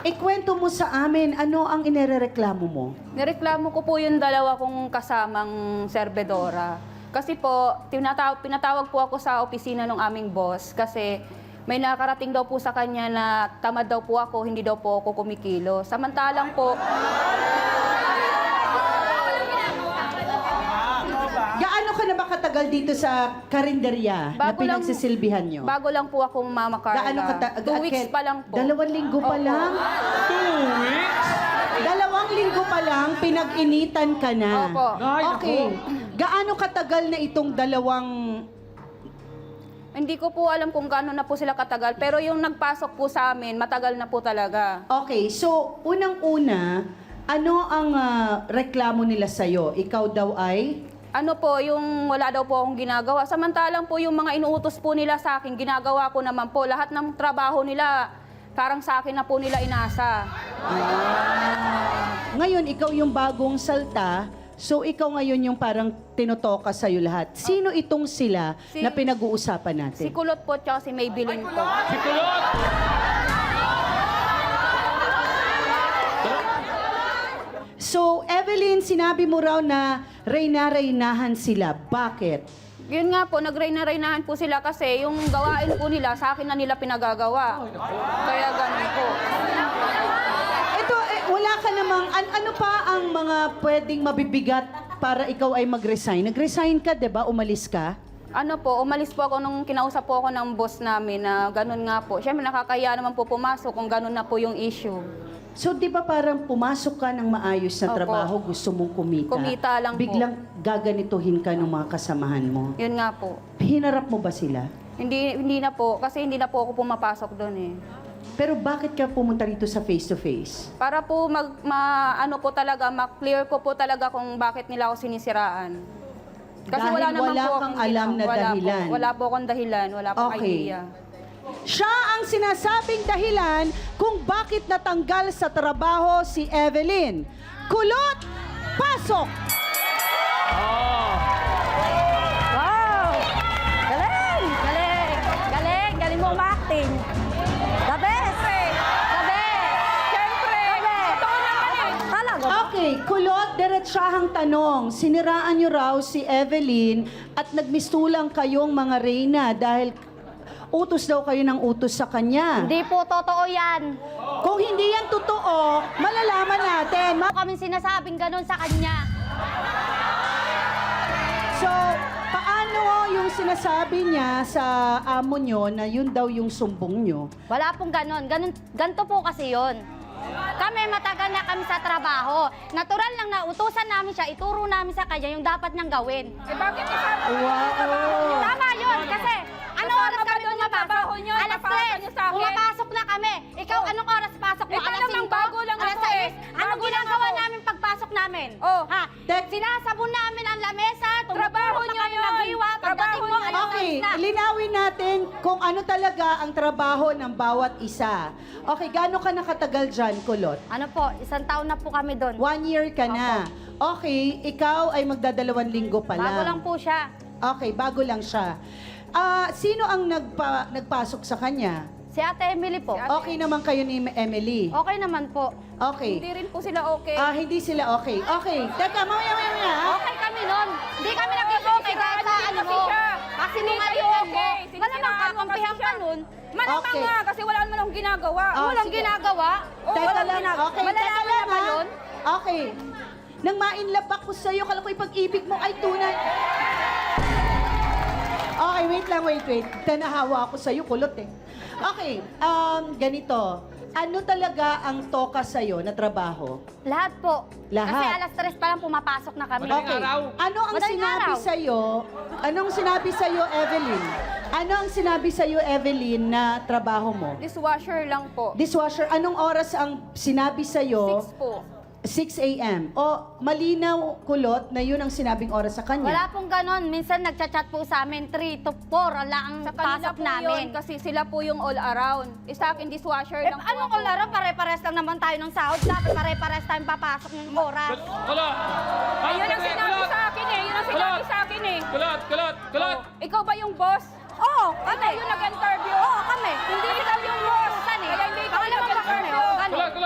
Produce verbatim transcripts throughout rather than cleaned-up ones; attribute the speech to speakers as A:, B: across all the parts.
A: Ikwento mo sa amin, ano ang inirereklamo mo?
B: Nireklamo ko po yung dalawa kong kasamang serbedora. Kasi po, tinatawag, pinatawag po ako sa opisina ng aming boss kasi may nakarating daw po sa kanya na tamad daw po ako, hindi daw po ako kumikilo. Samantalang po,
A: Gaano ka na ba katagal dito sa karinderya na
B: Bago lang-
A: pinagsisilbihan nyo?
B: bago lang po ako Mama Carla.
A: Gaano kata-
B: Two
A: ga-
B: weeks
A: Ken-
B: pa lang po.
A: Dalawang linggo pa
B: Opo.
A: lang?
C: Two weeks?
A: Dalawang linggo pa lang, pinag-initan ka na.
B: Opo.
C: Ay,
A: Okay. Gaano katagal na itong dalawang...
B: Hindi ko po alam kung gaano na po sila katagal, pero yung nagpasok po sa amin, matagal na po talaga.
A: Okay, so unang-una, ano ang ah, reklamo nila sa'yo? Ikaw daw ay...
B: Ano po, yung wala daw po akong ginagawa. Samantalang po yung mga inuutos po nila sa akin, ginagawa ko naman po. Lahat ng trabaho nila, parang sa akin na po nila inasa.
A: Ngayon, ikaw yung bagong salta, so ikaw ngayon yung parang tinutoka sa'yo lahat. Sino itong sila
B: Si-
A: na pinag-uusapan natin?
B: Si Kulot po tsaka si Maybelline po.
C: Si Kulot!
A: So, Evelyn, sinabi mo raw na reyna-reynahan sila. Bakit?
B: Yun nga po, nagreyna-reynahan po sila kasi yung gawain po nila, sa akin na nila pinagagawa. Kaya ganun po.
A: Ito, eh, wala ka namang, an- ano pa ang mga pwedeng mabibigat para ikaw ay mag-resign? Nag-resign ka, di ba? Umalis ka?
B: Ano po, umalis po ako nung kinausap po ako ng boss namin na ganun nga po. Siyempre nakakaya naman po pumasok kung ganun na po yung issue.
A: So, di ba parang pumasok ka ng maayos na
B: Opo.
A: trabaho, gusto mong kumita?
B: Kumita lang po.
A: Biglang gaganituhin ka ng mga kasamahan mo.
B: Yun nga po.
A: Hinarap mo ba sila?
B: Hindi hindi na po, kasi hindi na po ako pumapasok doon eh.
A: Pero bakit ka pumunta rito sa face-to-face?
B: Para po mag, ma, ano po talaga, ma-clear ko po talaga kung bakit nila ako sinisiraan. Kasi
A: Dahil
B: wala naman
A: wala
B: po
A: kang
B: akong
A: alam
B: ginawa.
A: na
B: Wala
A: dahilan.
B: Po, wala po akong dahilan, wala po
A: Okay.
B: idea.
A: Siya ang sinasabing dahilan kung bakit natanggal sa trabaho si Evelyn. Kulot! Pasok!
C: Oh.
D: Wow! Galing! Galing! Galing! Galing mo ma-acting. The best! The best!
B: Siyempre! Totoo naman eh!
D: Talaga ba?
A: Okay, kulot, diretsahang tanong. Siniraan niyo raw si Evelyn at nagmistulang kayong mga reyna dahil utos daw kayo ng utos sa kanya.
D: Hindi po totoo yan.
A: Kung hindi yan totoo, malalaman natin. Ma-
D: Kami sinasabing ganun sa kanya.
A: So, paano yung sinasabi niya sa amo niyo na yun daw yung sumbong niyo?
D: Wala pong ganun. ganun ganito po kasi yon. Kami matagal na kami sa trabaho. Natural lang na utusan namin siya, ituro namin sa kanya yung dapat niyang gawin.
B: Eh bakit kasama
A: Wow!
D: Tama yun kasi ano
B: Kasama
D: oras
B: ba
D: kami
B: doon yung
D: pumapasok?
B: trabaho niyo?
D: Alas
B: Napapasok
D: tres.
B: niyo sa akin?
D: Pumapasok na kami. Ikaw,
B: Oh.
D: anong oras pasok mo?
B: Ikaw
D: Alas
B: namang
D: singko?
B: bago lang
D: Alas
B: ako eh.
D: sais? Anong
B: Bago lang
D: ginagawa
B: ako.
D: namin pagpasok namin?
B: Oh.
D: Ha?
A: Tek-
D: Sinasabon namin ang lamesa,
B: Trabaho
D: tumutulong
B: niyo
D: na kami
B: yun.
D: maghiwa. Pagdating
B: Trabaho
D: mo,
B: niyo
D: alas
A: Okay,
D: sais na.
A: linawin natin kung ano talaga ang trabaho ng bawat isa. Okay, gaano ka nakatagal dyan, Kulot?
D: Ano po, isang taon na po kami doon.
A: One year ka na. Okay, ikaw ay magdadalawang linggo pa lang.
D: Bago lang po siya.
A: Okay, bago lang siya. Ah, sino ang nagpa, nagpasok sa kanya?
D: Si Ate Emily po.
A: Okay naman kayo ni Emily.
D: Okay naman po.
A: Okay.
B: Hindi rin po sila okay.
A: Ah, hindi sila okay. Okay. Teka, mamaya, mamaya, mamaya. ha?
D: Okay kami noon. Hindi kami nag-okay kahit sa ano mo. Kasi
B: Hindi
D: nung
B: kayo
D: ayun mo,
B: okay.
D: wala
B: Sinisiraan
D: nang
B: mo
D: kakampihan
B: kasi
D: ka
B: siya.
D: nun.
B: Malamang
A: Okay.
B: nga, kasi wala naman akong ginagawa.
A: Ah,
D: Walang
A: sige.
D: ginagawa.
B: Oo,
A: Teka
B: walang
A: lang.
B: ginagawa.
A: Okay,
D: Malalaman
A: teka
D: na
A: lang,
D: ba
A: ha?
D: yun?
A: Okay. Nang ma-inlove ako sa'yo, kala ko yung pag-ibig mo ay tunay. Okay, wait lang, wait, wait. Tanahawa ako sa'yo, kulot eh. Okay, um, ganito. Ano talaga ang toka sa'yo na trabaho?
D: Lahat po.
A: Lahat?
D: Kasi alas tres pa lang pumapasok na kami.
C: Madaling
A: Okay.
C: araw.
A: Ano ang
D: Madaling
A: sinabi
D: araw.
A: sa'yo? Anong sinabi sa'yo, Evelyn? Ano ang sinabi sa'yo, Evelyn, na trabaho mo?
B: Dishwasher lang po.
A: Dishwasher, anong oras ang sinabi sa'yo?
B: Six po.
A: six a.m. O malinaw, kulot, na yun ang sinabing oras sa kanya.
D: Wala pong ganon. Minsan nagchat-chat po sa amin, three to four ala ang
B: Sa kanila
D: pasok
B: po yun,
D: namin.
B: kasi sila po yung all around. Eh, sa akin, dishwasher
D: Eh,
B: lang po
D: anong
B: ako.
D: kularo? Pare-pares lang naman tayo ng sahod. Dapat pare-pares tayong papasok ng oras.
C: Kulot!
B: Ayun ang sinabi
C: Kulot!
B: sa akin eh. Yun ang sinabi
C: Kulot!
B: sa akin eh.
C: Kulot! Kulot! Kulot!
B: Oh, ikaw ba yung boss?
D: Oo,
B: Ikaw
D: kami.
B: yung nag-interview?
D: Oo, kami.
B: Hindi ikaw yung boss.
D: Saan eh?
B: Kaya hindi ikaw
D: Baka
B: yung
D: naman ba kami?
B: nag-interview.
D: Oo, ganun.
C: Kulot! Kulot!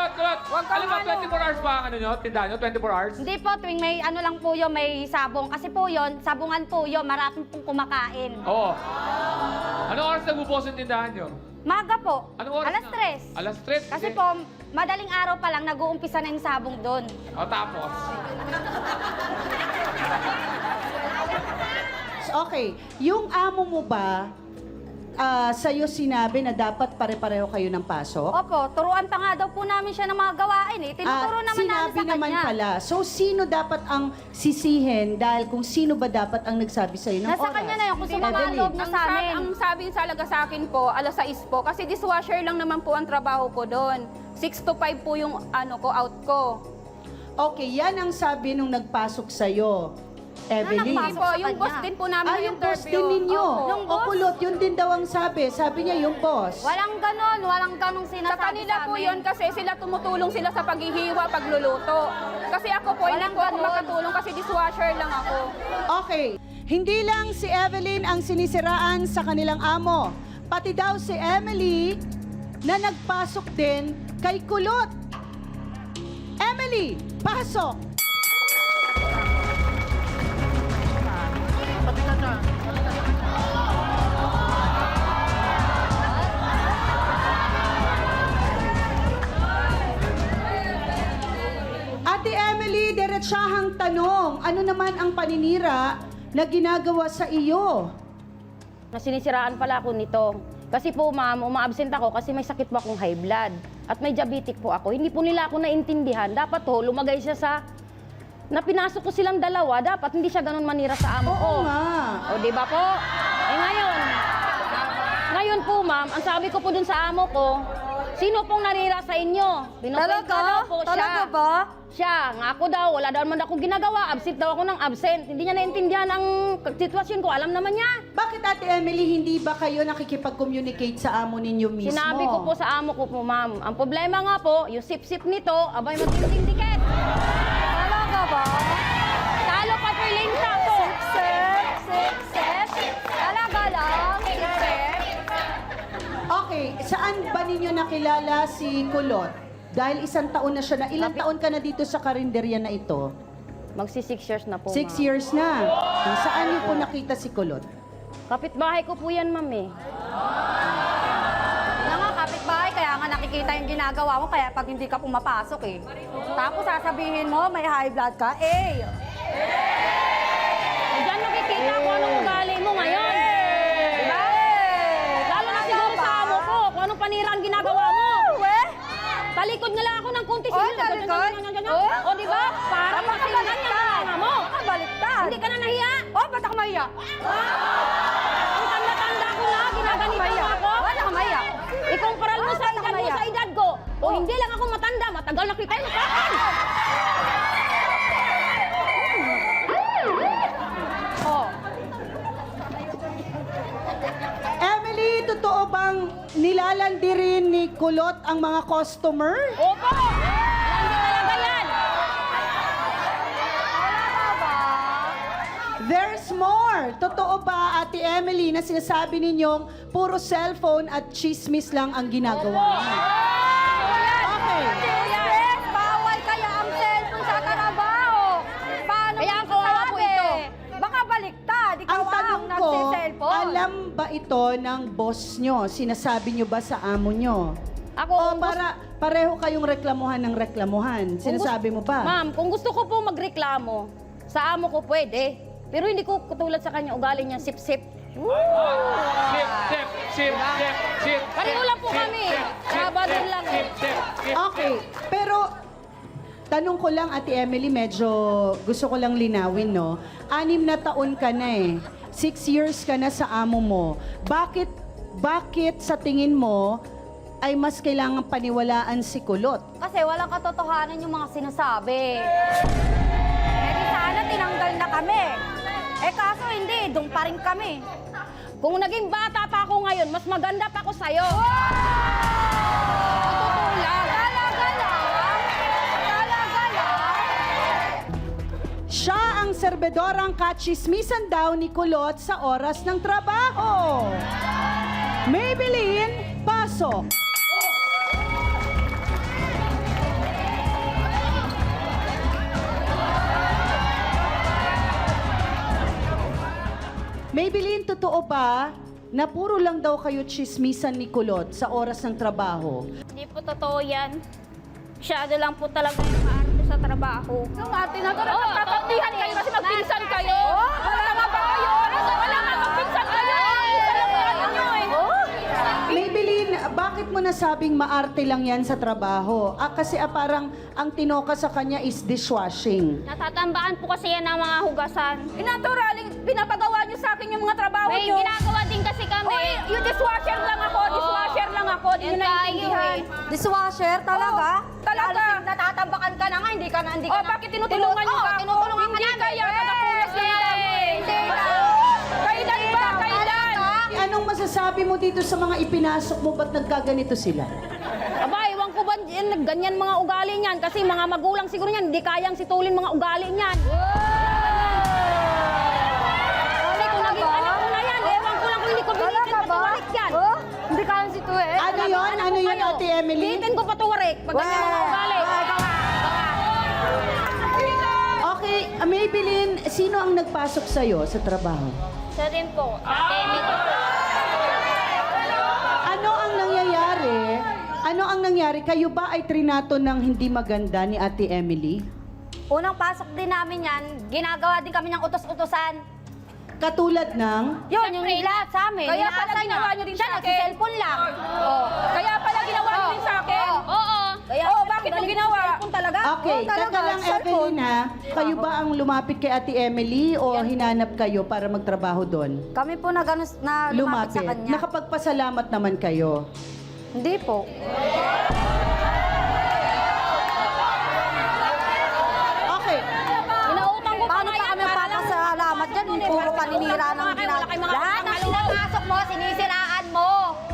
B: Huwag kang
C: Alam mo,
B: ano.
C: twenty-four hours pa ang ano nyo? Tindahan nyo? twenty-four hours?
D: Hindi po, tuwing may ano lang po yun, may sabong. Kasi po yun, sabungan po yun, maraming pong kumakain.
C: Oo. Anong oras nagbubukas yung tindahan nyo?
D: Maga po,
C: Anong oras
D: alas
C: na?
D: tres.
C: Alas tres?
D: Kasi
C: Sige.
D: po, madaling araw pa lang, nag-uumpisa na yung sabong doon.
C: O, tapos?
A: Okay, yung amo mo ba, ah, sa'yo sinabi na dapat pare-pareho kayo ng pasok?
D: Opo, turuan pa nga daw po namin siya ng mga gawain eh. Tinuturo
A: Ah,
D: naman
A: sinabi
D: namin sa
A: naman
D: kanya.
A: pala. So, sino dapat ang sisihin dahil kung sino ba dapat ang nagsabi sa'yo ng
D: Nasa
A: oras?
D: kanya na yun, kung
A: Evelyn.
D: sumama ang loob na
B: Ang,
D: sa
B: sab-
D: amin.
B: ang sabi talaga sa akin po, alas sais po. Kasi dishwasher lang naman po ang trabaho ko doon. six to five po yung ano ko, out ko.
A: Okay, yan ang sabi nung nagpasok sa'yo, Evelyn.
D: nagpasok?
B: Hindi po,
D: sa
B: yung
D: kanya.
B: boss din po namin
A: Ah,
B: yung
A: yung boss
B: interview.
A: din ninyo.
B: Opo.
D: Yung
A: O
D: boss?
A: kulot, yun din daw ang sabi. Sabi niya, yung boss.
D: Walang ganon, walang ganong
B: Sa
D: sinasabi
B: kanila
D: sa
B: po
D: amin.
B: yun kasi sila tumutulong sila sa paghihiwa, pagluluto. Kasi ako po, hindi
D: Walang
B: po ako
D: ganun.
B: makatulong kasi dishwasher lang ako.
A: Okay, hindi lang si Evelyn ang sinisiraan sa kanilang amo. Pati daw si Emily na nagpasok din kay Kulot. Emily, pasok! Ate Emily, diretsahang tanong, ano naman ang paninira na ginagawa sa iyo?
E: na sinisiraan pala ako nito. Kasi po ma'am, uma-absent ako kasi may sakit po akong high blood. At may diabetic po ako. Hindi po nila ako naintindihan. Dapat po, lumagay siya sa... Na pinasok ko silang dalawa, dapat hindi siya ganun manira sa amo ko.
A: Oo nga.
E: O, di ba po? Eh ngayon, ngayon po ma'am, ang sabi ko po dun sa amo ko, sino pong nanira sa inyo? Binukwento daw po siya.
D: Talaga ba?
E: Siya, nga ako daw, wala daw naman akong ginagawa, absent daw ako ng absent. Hindi niya naintindihan ang sitwasyon ko, alam naman niya.
A: Bakit Ate Emily, hindi ba kayo nakikipag-communicate sa amo ninyo mismo?
E: Sinabi ko po sa amo ko po, ma'am, ang problema nga po, yung sip-sip nito, abay matinding dikit.
D: Talaga ba?
E: Talo pa po yung linta po.
D: Sip, sip, sip. Talaga lang. Sip, sip.
A: Okay, saan ba ninyo nakilala si Kulot? Dahil isang taon na siya na. Ilang taon ka na dito sa karinderya na ito?
E: Magsi six years na po,
A: Six
E: ma'am.
A: years na. Saan niyo po nakita si Kulot?
E: Kapitbahay ko po yan, ma'am eh.
D: Kaya nga, kapitbahay, kaya nga nakikita yung ginagawa mo, kaya pag hindi ka pumapasok eh. Tapos sasabihin mo, may high blood ka, eh.
E: Eh, Diyan nakikita ko anong ugali mo ngayon. Diba? Lalo na siguro sa amo ko, kung anong panira ang ginagawa mo.
D: Eh?
E: Talikod nga lang ako ng kunti.
D: Oh,
E: sige,
D: talikod?
E: ganyan, ganyan, ganyan.
D: Oh?
E: O, di ba? Parang masinggan niya ang mga mo.
D: Baliktad.
E: Hindi ka na nahiya.
D: Oh, ba't ako mahiya?
E: Ang tanda-tanda ko na, ginaganito
D: Mahiya.
E: mo ako.
D: Wala ka mahiya.
E: Ikumparal mo
D: Oh,
E: sa
D: ba't ako
E: edad mo
D: mahiya?
E: sa edad ko. O
D: Oh.
E: hindi lang ako matanda, matagal na kita yung kakan.
D: Oh.
A: Emily, totoo bang nilalandi rin ni Kulot ang mga customer?
E: Opo! Hindi talaga yan.
D: Talaga ba?
A: There's more. Totoo ba, Ate Emily, na sinasabi ninyong puro cellphone at chismis lang ang ginagawa niyo? Okay.
D: Yes, bawal kaya ang cellphone sa trabaho. Paano
E: Kaya
D: mo
E: ang kawawa po
D: masasabi?
E: ito.
D: Baka baliktad, ikaw
A: Ang
D: ang
A: tanong ko,
D: nagsiselfone.
A: alam ba ito ng boss nyo? Sinasabi nyo ba sa amo nyo?
E: Ako,
A: O
E: kung gusto-
A: para pareho kayong reklamuhan ng reklamuhan? Sinasabi mo ba?
E: Ma'am, kung gusto ko po magreklamo, sa amo ko pwede. Pero hindi ko katulad sa kanya ugali niya sip-sip.
C: Sip, sip, sip, sip, sip.
E: Pareho lang po
C: sip,
E: kami.
C: sip,
E: Sabado
C: sip,
E: lang.
C: Sip, sip, sip.
A: Okay, pero tanong ko lang, Ate Emily, medyo gusto ko lang linawin, no? Anim na taon ka na eh. Six years ka na sa amo mo. Bakit, bakit sa tingin mo ay mas kailangan paniwalaan si Kulot?
D: Kasi walang katotohanan yung mga sinasabi. Eh di sana tinanggal na kami. Eh kaso hindi, doon pa rin kami.
E: Kung naging bata pa ako ngayon, mas maganda pa ako sa'yo.
D: Totoo lang. Talaga lang. Talaga lang.
A: Siya ang serbedorang kachismisan daw ni Kulot sa oras ng trabaho. Maybelline, pasok. Maybelline, totoo ba na puro lang daw kayo chismisan ni Kulot sa oras ng trabaho?
D: Hindi po totoo yan. Masyado lang po talaga yung maarte sa trabaho.
B: Yung ate na to, nagtatampihan kayo kasi magpinsan kayo. Wala nga ba kayo? Wala nga magpinsan kayo. Isa lang yan ninyo eh.
A: Maybelline, bakit mo nasabing maarte lang yan sa trabaho? Ah, kasi ah, parang ang tinoka sa kanya is dishwashing.
D: Natatambaan po kasi yan ng mga hugasan.
B: Inaturaling, pinapagawa niyo sa akin yung mga trabaho
D: May
B: niyo.
D: ginagawa din kasi kami.
B: Oy, yung dishwasher lang ako, dishwasher lang ako. Di
D: Yan
B: nyo
D: tayo
B: naiintindihan.
D: eh.
F: Dishwasher, talaga?
B: Oo, talaga.
F: Lalo, natatambakan ka na nga, hindi ka na, hindi
B: Oh,
F: ka na.
B: bakit tinutulungan niyo
F: Oo,
B: ba ako?
F: tinutulungan ka
B: Hindi
F: namin.
B: kaya,
F: Eh,
B: nakapunas na yung damo eh.
F: Hindi na.
B: Kailan ba? Kailan?
A: Anong masasabi mo dito sa mga ipinasok mo? Ba't nagkaganito sila?
E: Aba, ewan ko ba yan, ganyan mga ugali niyan? Kasi mga magulang siguro niyan, hindi kayang situlin mga ugali niyan. Kasi kung naging anak ko na yan, ewan ko lang kung hindi ko bilitin
F: Talaga ba?
E: patuwarik yan.
F: Oh, hindi ka lang situe.
A: Ano yon? Ano
E: ko
A: yon,
E: kayo,
A: Ate Emily?
E: Bilitin ko patuwarik pag ganyan mga ugali.
A: Okay, ah, Maybelline, sino ang nagpasok sa'yo sa trabaho?
D: Siya din po. Ate Emily.
A: Ano ang nangyayari? Ano ang nangyari? Kayo ba ay trinato ng hindi maganda ni Ate Emily?
F: Unang pasok din namin yan, ginagawa din kami ng utos-utosan.
A: Katulad ng...
F: Yun, yung lahat sa amin.
B: Kaya pala
F: inaasar
B: ginawa
F: niya.
B: niyo din
F: Siya,
B: sa akin.
F: nagsiselfon lang.
B: Oh, kaya pala ginawa niyo din sa akin?
D: Oo.
F: Kaya,
B: Oh, bakit mo ginawa?
F: Cellphone talaga?
A: Okay,
F: Oo, talaga,
A: teka lang
F: cellphone.
A: Evelyn ha. Kayo ba ang lumapit kay Ate Emily o hinanap kayo para magtrabaho doon?
F: Kami po na, ganun, na lumapit sa kanya.
A: Nakapagpasalamat naman kayo.
F: Hindi po.
A: Okay.
E: Inautang ko pa
F: Paano
E: nga
F: pa
E: yan,
F: kami
E: para lang-
F: papasalamat dyan? Puro paninira ng
E: Wala kayo, wala kayong mga
F: Lahat ng
E: utang na
F: pinapasok mo, sinisiraan mo.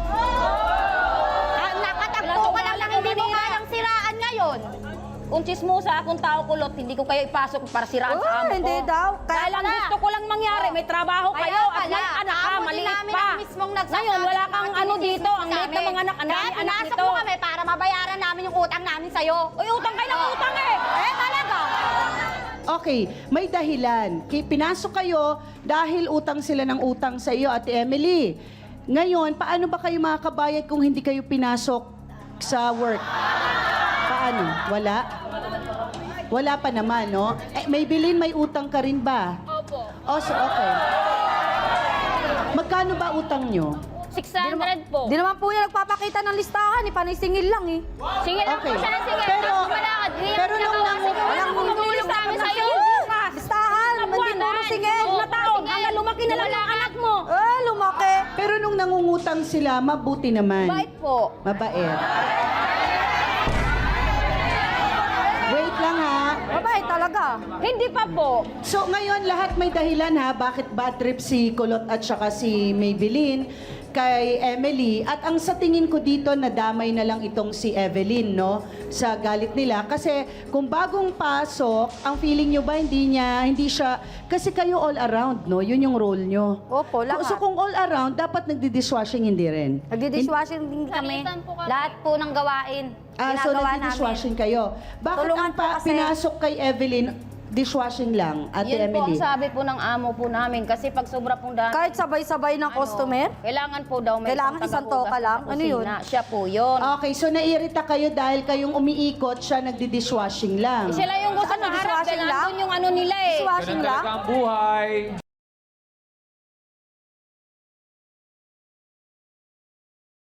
F: Ah, nakatagpo ka lang lang, hindi mo kayang siraan ngayon.
E: Kung chismosa akong tao kulot, hindi ko kayo ipasok para siraan
F: Oh,
E: sa amo ko.
F: hindi daw. Kaya
E: Dahil ang
F: pala.
E: gusto ko lang mangyari, may trabaho
F: Kaya
E: kayo at
F: pala,
E: may anak ka,
F: amo din
E: maliit
F: namin
E: pa.
F: ang mismong nagsasabi
E: Ngayon, wala
F: sa
E: kang
F: akin,
E: ano
F: sinisisi
E: dito, ang
F: sa
E: liit
F: amin.
E: ng mga anak, ang
F: Kaya
E: dami anak
F: pinasok
E: nito.
F: mo kami para mabayaran namin yung utang namin sa'yo.
E: Uy, utang kayo ng utang eh!
F: Eh, talaga.
A: Okay, may dahilan. Ki- Pinasok kayo dahil utang sila ng utang sa iyo, Ate Emily. Ngayon, paano ba kayo makakabayad kung hindi kayo pinasok sa work? Paano? Wala? Wala pa naman, no? Eh, Maybelline, may utang ka rin ba?
D: Opo.
A: Oh, so, okay. Magkano ba utang nyo?
D: six hundred po.
F: Di naman po niya nagpapakita ng listahan, eh. Panay singil lang eh.
D: Sige lang
A: Okay.
D: po siya ng sige.
A: Pero,
D: Wala ka.
A: pero nung nangu-
F: Walang
D: Bumibili sa amin sa'yo.
F: Listahan, hindi puro singil.
E: Na taon, hanggang lumaki na lang ang anak mo.
F: Eh, lumaki.
A: pero nung nangungutang sila, mabuti naman.
E: Bait po.
A: Mabait. Wait lang ha.
F: Mabait talaga.
E: Hindi pa po.
A: So ngayon lahat may dahilan ha bakit bad trip si Kulot at saka si Maybelline kay Emily at ang sa tingin ko dito nadamay na lang itong si Evelyn no sa galit nila kasi kung bagong pasok ang feeling nyo ba hindi niya hindi siya kasi kayo all around no yun yung role nyo.
F: Opo, lahat.
A: So kung all around dapat nagdi-dishwashing hindi rin.
F: Nagdi-dishwashing din kami.
D: Salitan po kami.
F: Lahat po ng gawain.
A: Ah, so
F: ginagawa
A: nagdi-dishwashing kayo. Bakit
F: Tulungan
A: ang
F: po
A: pa-
F: kasi.
A: pinasok kay Evelyn dishwashing lang, Ate
E: Yun po ang
A: Emily?
E: sabi po ng amo po namin kasi pag sobra pong dami,
F: Kahit sabay-sabay ng customer.
E: kailangan po daw may
F: Kailangan
E: isang
F: isang
E: tagahugas
F: toka lang?
E: sa
F: Ano yun?
E: kusina. Siya po yun.
A: Okay, so naiirita kayo dahil kayong umiikot, siya nagdi-dishwashing lang.
E: Sila yung gusto
F: Ano,
E: na harap
F: dishwashing
E: dahil
F: lang?
E: andun yung ano nila eh.
F: Dishwashing
C: Ganun
F: lang.
C: talaga ang buhay.